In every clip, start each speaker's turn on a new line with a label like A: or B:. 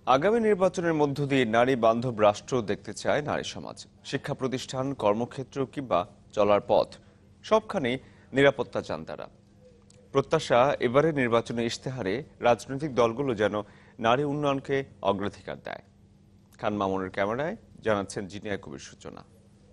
A: আগামী নির্বাচনের মধ্য দিয়ে নারী বান্ধব রাষ্ট্র দেখতে চায় নারী সমাজ। শিক্ষা প্রতিষ্ঠান, কর্মক্ষেত্র কিংবা চলার পথ সবখানেই নিরাপত্তা চান তারা। প্রত্যাশা, এবারের নির্বাচনের ইশতেহারে রাজনৈতিক দলগুলো যেন নারী উন্নয়নকে অগ্রাধিকার দেয়। খান মামুনের ক্যামেরায় জানাচ্ছেন জিনিয়া কবির সূচনা।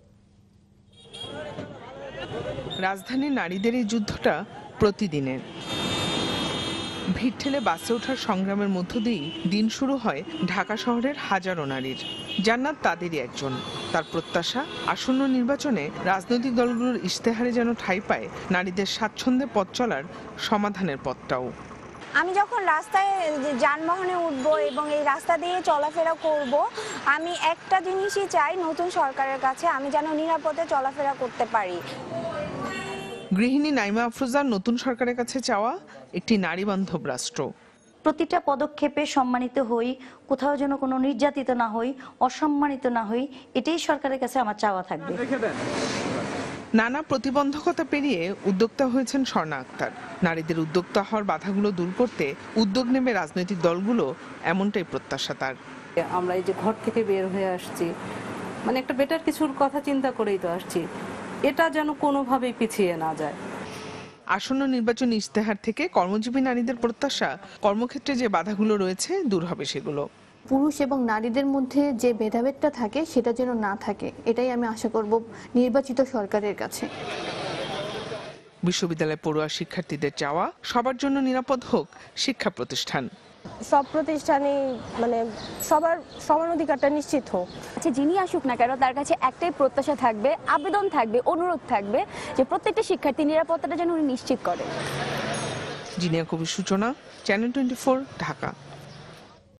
B: রাজধানীর নারীদের এই যুদ্ধটা প্রতিদিনের। ভিড় ঠেলে বাসে ওঠার সংগ্রামের মধ্য দিয়েই দিন শুরু হয় ঢাকা শহরের হাজারো নারীর। জান্নাত তাদেরই একজন। তার প্রত্যাশা, আসন্ন নির্বাচনে রাজনৈতিক দলগুলোর ইশতেহারে যেন ঠাঁই পায় নারীদের স্বাচ্ছন্দ্যে পথ চলার সমাধানের পথটাও।
C: আমি যখন রাস্তায় যানবাহনে উঠবো এবং এই রাস্তা দিয়ে চলাফেরা করব, আমি একটা জিনিসই চাই নতুন সরকারের কাছে, আমি যেন নিরাপদে চলাফেরা করতে পারি।
B: গৃহিণী নাইমা আফরোজার নতুন সরকারের কাছে চাওয়া একটি নারী বান্ধব রাষ্ট্র।
D: প্রতিটা পদক্ষেপে সম্মানিত হই, কোথাও যেন কোনো নির্যাতিত না হই, অসম্মানিত না হই, এটাই সরকারের কাছে আমার চাওয়া থাকবে।
B: নানা প্রতিবন্ধকতা পেরিয়ে উদ্যোক্তা হয়েছেন স্বর্ণা আক্তার। নারীদের উদ্যোক্তা হওয়ার বাধাগুলো দূর করতে উদ্যোগ নেবে রাজনৈতিক দলগুলো, এমনটাই প্রত্যাশা তার।
E: আমরা এই যে ঘর থেকে বের হয়ে আসছি, মানে একটা বেটার কিছুর কথা চিন্তা করেই তো আসছি, এটা যেন কোনোভাবেই পিছিয়ে না যায়।
B: আসন্ন নির্বাচনী ইশতেহার থেকে কর্মজীবী নারীদের প্রত্যাশা, কর্মক্ষেত্রে যে বাধাগুলো রয়েছে দূর হবে সেগুলো।
F: পুরুষ এবং নারীদের মধ্যে যে ভেদাভেদটা থাকে সেটা যেন না থাকে, এটাই আমি আশা করব নির্বাচিত সরকারের কাছে।
B: বিশ্ববিদ্যালয় পড়ুয়া শিক্ষার্থীদের চাওয়া, সবার জন্য নিরাপদ হোক শিক্ষা প্রতিষ্ঠান।
G: সব প্রতিষ্ঠানে মানে সবার সমান অধিকারটা নিশ্চিত হোক।
H: যিনি আসুক না কেন তার কাছে একটাই প্রত্যাশা থাকবে, আবেদন থাকবে, অনুরোধ থাকবে যে প্রত্যেকটা শিক্ষার্থী নিরাপত্তাটা যেন উনি নিশ্চিত করে।
B: জিনিয়া কবির সূচনা, চ্যানেল 24, ঢাকা।